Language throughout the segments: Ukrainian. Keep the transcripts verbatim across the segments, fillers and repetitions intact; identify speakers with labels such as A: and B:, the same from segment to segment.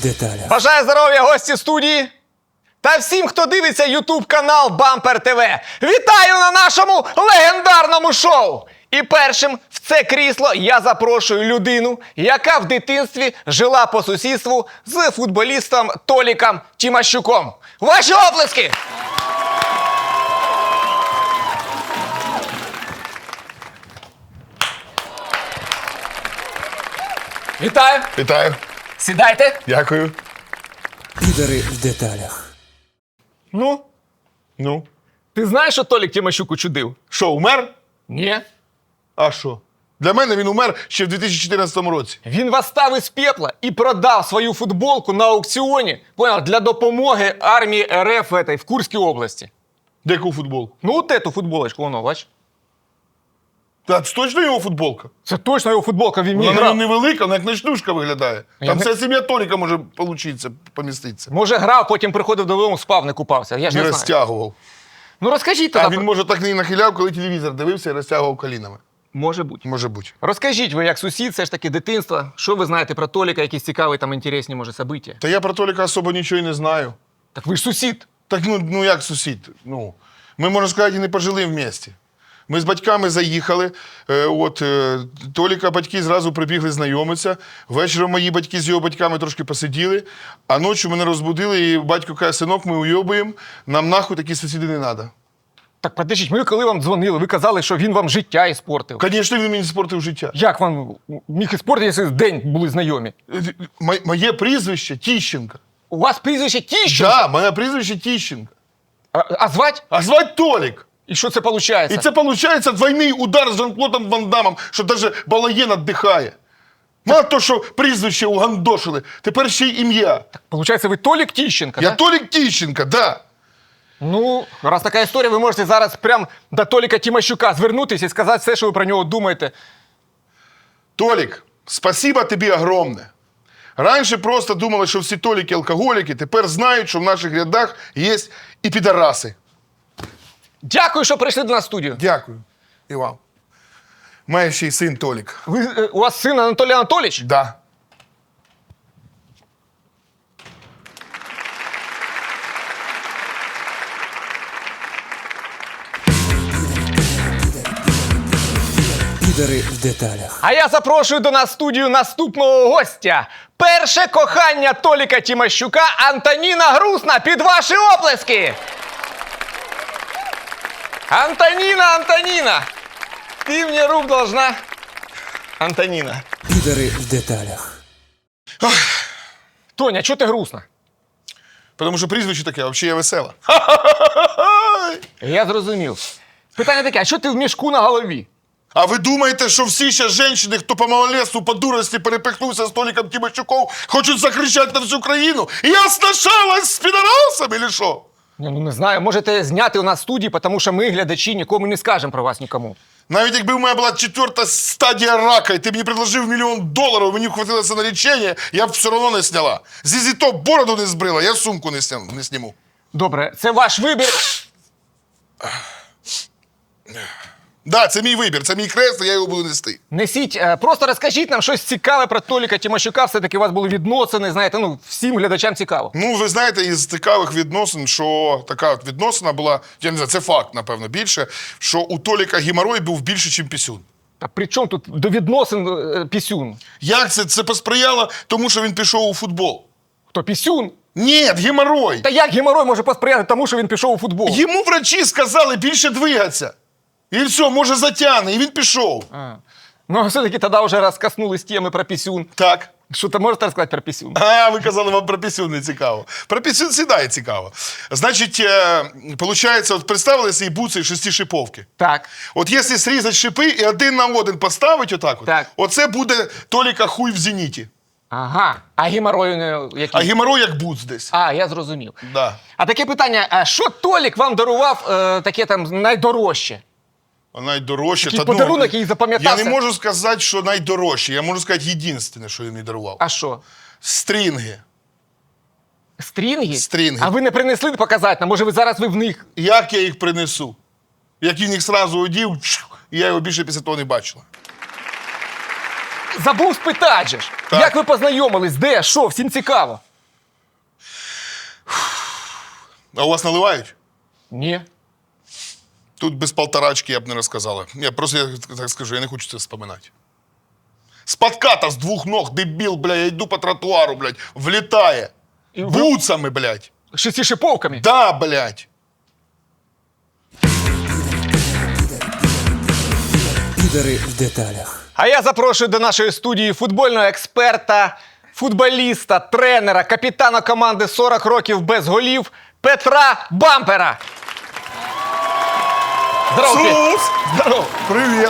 A: деталях.
B: Бажаю здоров'я, гості студії та всім, хто дивиться ютуб-канал Бампер ТВ. Вітаю на нашому легендарному шоу! І першим в це крісло я запрошую людину, яка в дитинстві жила по сусідству з футболістом Толіком Тимощуком. Ваші оплески! Вітаю!
C: Вітаю.
B: Сідайте!
C: Дякую.
A: Підари в деталях.
B: Ну,
C: Ну,
B: ти знаєш, що Толік Тимощук учудив?
C: що, умер?
B: Ні.
C: А що? Для мене він умер ще в дві тисячі чотирнадцятому році.
B: Він восстав із пепла і продав свою футболку на аукціоні, понял, для допомоги армії РФ в, этой, в Курській області.
C: Яку футболку?
B: Ну, от эту футболочку, воно, бач.
C: Та це точно його футболка?
B: Це точно його футболка, він мені
C: Вона
B: грав.
C: невелика, вона як ночнушка виглядає.
B: Я
C: Там
B: не-
C: вся сім'я Толіка може получитися, поміститися.
B: Може грав, потім приходив додому, спав, не купався. Я ж
C: Не
B: не знаю.
C: розтягував.
B: Ну розкажіть
C: А
B: тоді.
C: він, може, так не нахиляв, коли телевізор дивився і розтягував колінами.
B: Може бути.
C: Може бути.
B: Розкажіть ви, як сусід, все ж таки дитинства, що ви знаєте про Толіка, якісь цікаві там інтересні, може, события?
C: Та я про Толіка особо нічого і не знаю.
B: Так ви ж сусід.
C: Так ну, ну як сусід? Ну, ми, можна сказати, і не пожили в місті. Ми з батьками заїхали, е, от, е, Толіка батьки зразу прибігли знайомитися. Вечором мої батьки з його батьками трошки посиділи, а ночі мене розбудили, і батько каже: синок, ми уйобуємо, нам нахуй такі сусіди не треба.
B: Так, подождіть, ми коли вам дзвонили, ви казали, що він вам життя іспортив.
C: Звісно, він мені спортив життя.
B: Як вам міг іспортити, якщо день були знайомі?
C: Е, м- Моє прізвище Тіщенко.
B: У вас прізвище Тіщенко?
C: Так, да, моє прізвище Тіщенко.
B: А, а звать?
C: А звати Толік.
B: І що це виходить?
C: І це, виходить, двойний удар з Жан-Клодом Ван Дамом, що навіть Балаєн віддихає. Мало того, що прізвище угандошили, тепер ще й ім'я.
B: Получається, ви Толік Тіщенко,
C: Я
B: да?
C: Толік Тіщенко, да.
B: Ну, раз така історія, ви можете зараз прям до Толіка Тимощука звернутися і сказати все, що ви про нього думаєте.
C: Толік, спасибо тобі огромне. Раніше просто думали, що всі Толіки алкоголіки, тепер знають, що в наших рядах є і підараси.
B: Дякую, що прийшли до нас в студію.
C: Дякую. І вам. Має ще й син Толік.
B: Ви, е, у вас син Анатолій Анатолійович?
C: Да.
A: Підари в деталях.
B: А я запрошую до нас в студію наступного гостя. Перше кохання Толіка Тимощука Антоніна Грусна. Під ваші оплески! Антоніна, Антоніна! Ти мені рук должна. Антоніна.
A: Підари в деталях.
B: Тоня, чого ти грустна?
C: Тому що прізвище таке, а взагалі я весела.
B: Я зрозумів. Питання таке, а що ти в мішку на голові?
C: А ви думаєте, що всі ще жінки, хто по малолетству, по дурості перепихнувся з Толіком Тимощуком, хочуть закричати на всю країну? Я сношалась з підарасами, чи що?
B: Я, ну не знаю, можете зняти у нас в студії, тому що ми, глядачі, нікому не скажемо про вас нікому.
C: Навіть якби в мене була четверта стадія рака, і ти мені предложив мільйон доларів, мені хватилося на лічення, я б все одно не сняла. Зізі то бороду не збрила, я сумку не, сня... не сніму.
B: Добре, це ваш вибір.
C: Да, це мій вибір, це мій хрест, і я його буду нести.
B: Несіть, е, просто розкажіть нам щось цікаве про Толіка Тимощука. Все-таки у вас були відносини, знаєте, ну, всім глядачам цікаво.
C: Ну, ви знаєте, із цікавих відносин, що така от відносина була, я не знаю, це факт, напевно, більше, що у Толіка геморрой був більше, ніж пісюн.
B: Та при чому тут до відносин е, пісюн?
C: Як це? Це посприяло тому, що він пішов у футбол.
B: Хто пісюн?
C: Ні, геморрой.
B: Та як геморой може посприяти тому, що він пішов у футбол?
C: Йому врачі сказали більше двигатися. І все, може затягне, і він пішов.
B: А. Ну, а все-таки тоді вже раз коснулись теми про пісюн.
C: Так.
B: Що ти можете розказати про пісюн?
C: А, ви казали, вам про пісюн не цікаво. Про пісюн сідає цікаво. Значить, е, получається, от представили цей буцей шестишиповки.
B: Так.
C: От якщо зрізати шипи і один на один поставити отак, от,
B: Так.
C: оце буде Толіка хуй в зеніті.
B: Ага. А геморой не який?
C: А геморой як буц десь.
B: А, я зрозумів.
C: Да.
B: А таке питання, а що Толік вам дарував е, таке там найдорожче?
C: А найдорожче.
B: Такий
C: та, ну,
B: подарунок, який запам'ятався.
C: Я не можу сказати, що найдорожче. Я можу сказати єдине, що він мені дарував.
B: А що?
C: Стрінги.
B: Стрінги?
C: Стрінги.
B: А ви не принесли показати нам? Може, ви зараз ви в них?
C: Як я їх принесу? Як він їх сразу одів, і я його більше після того не бачила.
B: Забув спитати же ж.
C: Так.
B: Як ви познайомились? Де? Що? Всім цікаво.
C: А у вас наливають?
B: Ні.
C: Тут без полторачки я б не розказала. Я просто я так скажу, я не хочу це вспоминати. З подката з двох ног, дебіл, бля, я йду по тротуару, блядь, влітає.
B: І ви-
C: Буцами, блядь.
B: Шестишиповками?
C: Да, блядь.
A: Підари в деталях.
B: А я запрошую до нашої студії футбольного експерта, футболіста, тренера, капітана команди сорок років без голів Петра Бампера. Здорово, Петь.
C: Сус!
B: Здорово.
C: Привіт.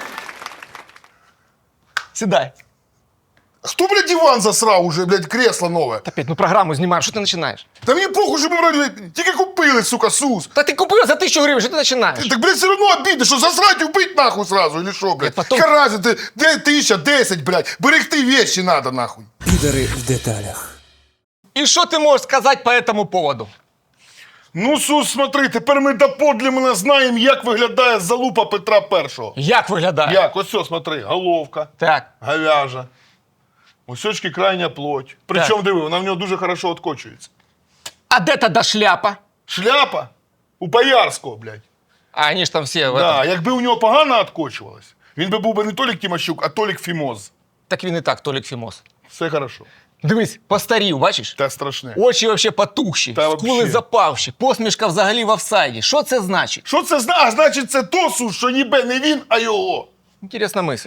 B: Сідай.
C: Хто, блядь, диван засрав уже, блядь, кресло нове?
B: Та, Петь, ну програму знімаємо, що ти починаєш?
C: Та мені похуй, що ми брали, тільки купили, сука, Сус.
B: Та ти купив за тисячу гривень, що ти починаєш?
C: Так, блядь, все одно обідно, що засрать і вбить нахуй сразу, или що, блядь?
B: потом-
C: Яка разниця, де тисяча, десять, блядь, берегти вещи надо, нахуй.
A: Підари в деталях.
B: І що ти можеш сказати по этому поводу?
C: Ну, Сус, смотри, тепер ми доподлімно знаємо, як виглядає залупа Петра Першого.
B: Як виглядає?
C: Як? Ось все, смотри, головка,
B: Так.
C: говяжа, усечки крайня плоть. Причому, диви, вона в нього дуже хорошо откочується.
B: А де тоді шляпа?
C: Шляпа у Боярського, блядь.
B: А вони ж там всі в этом.
C: Да, якби у нього погано откочувалось, він би був би не Толік Тимощук, а Толік Фімоз.
B: Так він і так, Толік Фімос.
C: Все хорошо.
B: Дивись, постарів, бачиш?
C: Та страшне.
B: Очі вообще потухші,
C: Та
B: скули
C: вообще.
B: запавші, посмішка взагалі в офсайді. Що це значить?
C: Що це зна? А значить, це то, Сус, що ніби не він, а його.
B: Інтересна мисль.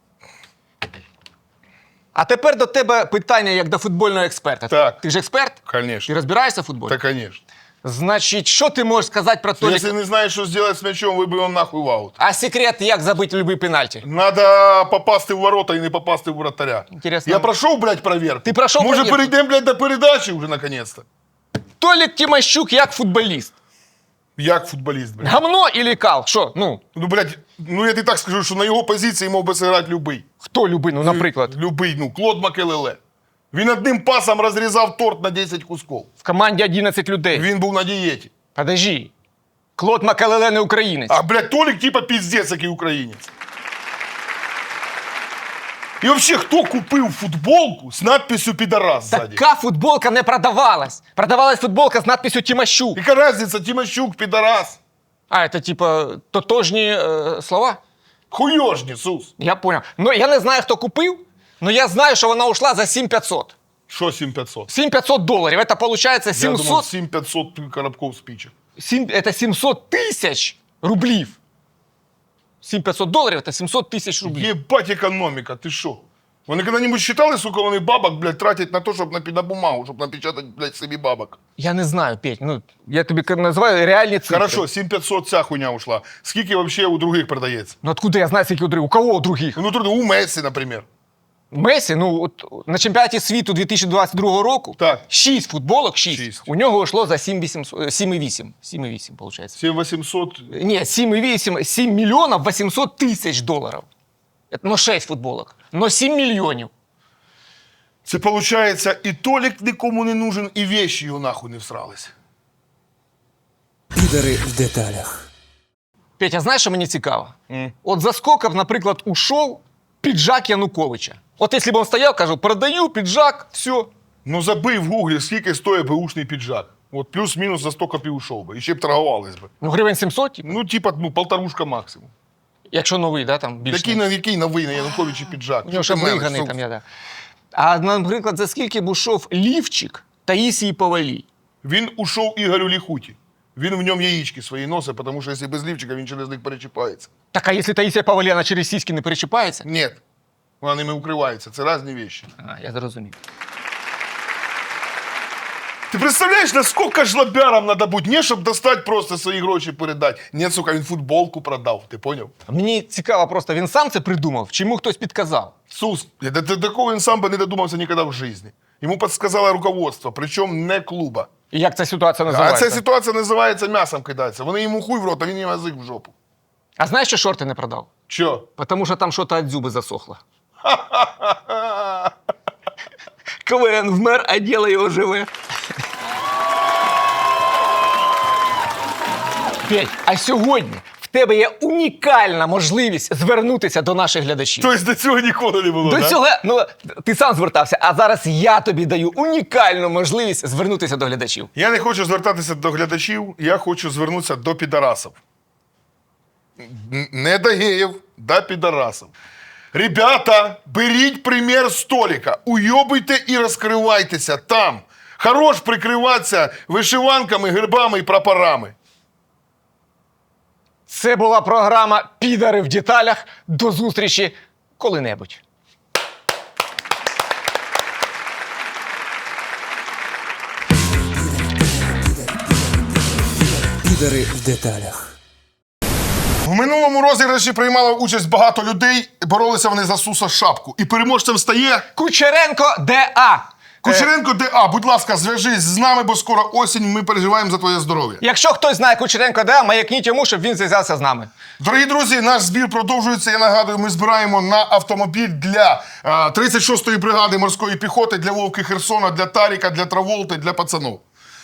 B: А тепер до тебе питання як до футбольного експерта.
C: Так.
B: Ти ж експерт? Ти
C: Конечно.
B: розбираєшся в футболі?
C: Та, конечно.
B: Значить, що ти можеш сказати про Толіка?
C: Якщо не знаєш, що зробити з м'ячом, вибив його нахуй в аут.
B: А секрет, як забити любий пенальті?
C: Надо попасти в ворота і не попасти в вратаря.
B: Інтересно.
C: Я пройшов, блядь, проверку.
B: Ти пройшов
C: Може,
B: проверку?
C: перейдемо, блядь, до передачі вже, наконец-то?
B: Толік Тимощук як футболіст.
C: Як футболіст, блядь.
B: Гамно или кал? Що? Ну,
C: Ну, блядь, ну я тобі так скажу, що на його позиції мог би зіграти любий.
B: хто любий, ну, наприклад,
C: Любий, ну, Клод Макелеле. Він одним пасом розрізав торт на десять кусків.
B: в команді одинадцять людей.
C: Він був на дієті.
B: Подожди. Клод Макалеле не українець.
C: А, блядь, Толік типа піздець, який українець. І взагалі, хто купив футболку з надписью «Підарас» ззаді?
B: Така футболка не продавалась. Продавалась футболка з надписью Тимощук.
C: Яка різниця, Тимощук, «Підарас»?
B: А, это типа тотожні е, слова?
C: Хуйожні, Сус.
B: Я понял. Ну, я не знаю, хто купив, але я знаю, що вона ушла за сім п'ятсот.
C: Що сім п'ятсот?
B: сім п'ятсот доларів. Это получается
C: Я думав,
B: сімсот...
C: сім п'ятсот коробков спичек.
B: сім- это сімсот тисяч рублів. сім п'ятсот доларів – це сімсот тисяч рублів.
C: Єбать економіка, ти що? Вони коли-небудь считали, сука, вони бабок, блядь, тратять на те, щоб на, на бумагу, щоб напечатати, блядь, собі бабок.
B: Я не знаю, Петь, ну, я тобі к- називаю реальні цифри.
C: Хорошо, сім п'ятсот ця хуйня ушла. Скільки вообще у других продається?
B: Ну, откуда я знаю, скільки у других? У кого у других?
C: Ну, тут у Мессі, наприклад.
B: Месі, ну, от на чемпіонаті світу дві тисячі двадцять другого року
C: Так.
B: шість футболок, шість.
C: Шість.
B: У нього йшло за сім вісімсот, сім і вісім. сім і вісім, виходить.
C: сім вісімсот.
B: Ні, сім і вісім, сім мільйонів вісімсот тисяч доларів. Це, ну, шість футболок. Но сім мільйонів.
C: Це виходить, і Толік нікому не нужен, і вещи його нахуй не всрались.
A: Підари в деталях.
B: Петя, знаєш, що мені цікаво? От за скільки, наприклад, ушов піджак Януковича. От якщо б він стояв, кажу, продаю піджак, все.
C: Ну забий в гуглі, скільки стоїть беушний піджак. От плюс-мінус за сто копій ушов би. І ще б торгувались би.
B: Ну, гривень сімсот, типу.
C: Ну, типа, ну, полторушка максимум.
B: Якщо новий, да, там більше.
C: Який, на, який новий на Януковичі піджак?
B: У нього ще
C: Що ти мелиш,
B: виганий
C: Сус?
B: там я, да. А, наприклад, за скільки б ушов лівчик Таїсії Повалій?
C: Він ушов Ігорю Ліхуті. Він в ньому яєчки свої носить, тому що якщо без лівчика, він через них перечіпається.
B: Так, а якщо Таїсія Повалій, вона через сіськи не перечіпається?
C: Ні, вона ними укривається. Це різні речі.
B: А, я зрозумів.
C: Ти представляєш, наскільки жлобярам треба бути? Не, щоб достати просто свої гроші передати. Ні, сука, він футболку продав. Ти поняв?
B: Мені цікаво просто, він сам це придумав, чи йому хтось підказав?
C: Сус, до, до такого він сам би не додумався ніколи в житті. Йому підсказало руководство, причому не клуба.
B: І як ця ситуація
C: А
B: називається?
C: ця ситуація називається м'ясом кидається. Вони йому хуй в рот, а він їм язик в жопу.
B: А знаєш, що шорти не продав?
C: Чо?
B: Тому що там щось від зуби засохло. КВН вмер, а діло його живе. Петь, а сьогодні в тебе є унікальна можливість звернутися до наших глядачів.
C: Тобто до цього ніколи не було,
B: До
C: да?
B: цього, ну, ти сам звертався, а зараз я тобі даю унікальну можливість звернутися до глядачів.
C: Я не хочу звертатися до глядачів, я хочу звернутися до підарасів. Н- Не до геїв, до підарасів. Ребята, беріть примір з Толіка, уйобуйте і розкривайтеся там. Хорош прикриватися вишиванками, гербами і прапорами.
B: Це була програма «Підари в деталях». До зустрічі коли-небудь.
A: Підари в деталях.
C: В минулому розіграші приймало участь багато людей, боролися вони за Суса Шапку. І переможцем стає
B: Кучеренко ДА.
C: Кучеренко ДА. Будь ласка, зв'яжись з нами, бо скоро осінь, ми переживаємо за твоє здоров'я.
B: Якщо хтось знає Кучеренко ДА, маякніть йому, щоб він зв'язався з нами.
C: Дорогі друзі, наш збір продовжується. Я нагадую, ми збираємо на автомобіль для а, тридцять шостої бригади морської піхоти, для Вовки Херсона, для Таріка, для Траволти, для пацанов.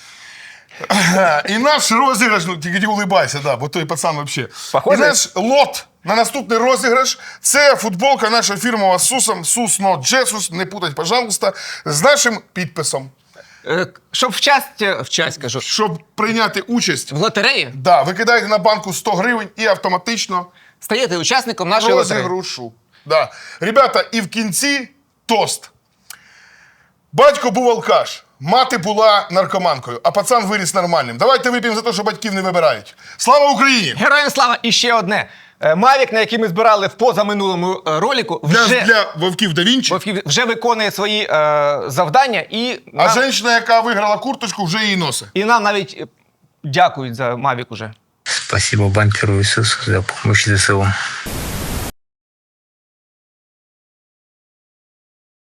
C: І наш розіграш, ну тільки не улибайся, да, бо той пацан взагалі.
B: Похоже?
C: І наш лот на наступний розіграш – це футболка наша фірмова з Сусом, Сус Not Jesus, не путать, пожалуйста, з нашим підписом.
B: Е, Щоб вчасть, вчасть, кажу,
C: Щоб прийняти участь,
B: в лотереї
C: да, ви кидаєте на банку сто гривень і автоматично
B: стаєте учасником нашої лотереї.
C: розігрушу. Да. Ребята, і в кінці тост. Батько був алкаш, мати була наркоманкою, а пацан виріс нормальним. Давайте вип'ємо за те, що батьків не вибирають. Слава Україні!
B: Героям слава! І ще одне. Е, Мавік, на який ми збирали в позаминулому е, ролику,
C: Для,
B: вже,
C: для Вовків да Вінчі.
B: Вовків вже виконує свої е, завдання і
C: А
B: нам,
C: жінка, яка виграла курточку, вже її носить.
B: і нам навіть е, дякують за Мавік уже.
D: Спасибо бамперу Иисусу за помощь ЗСУ.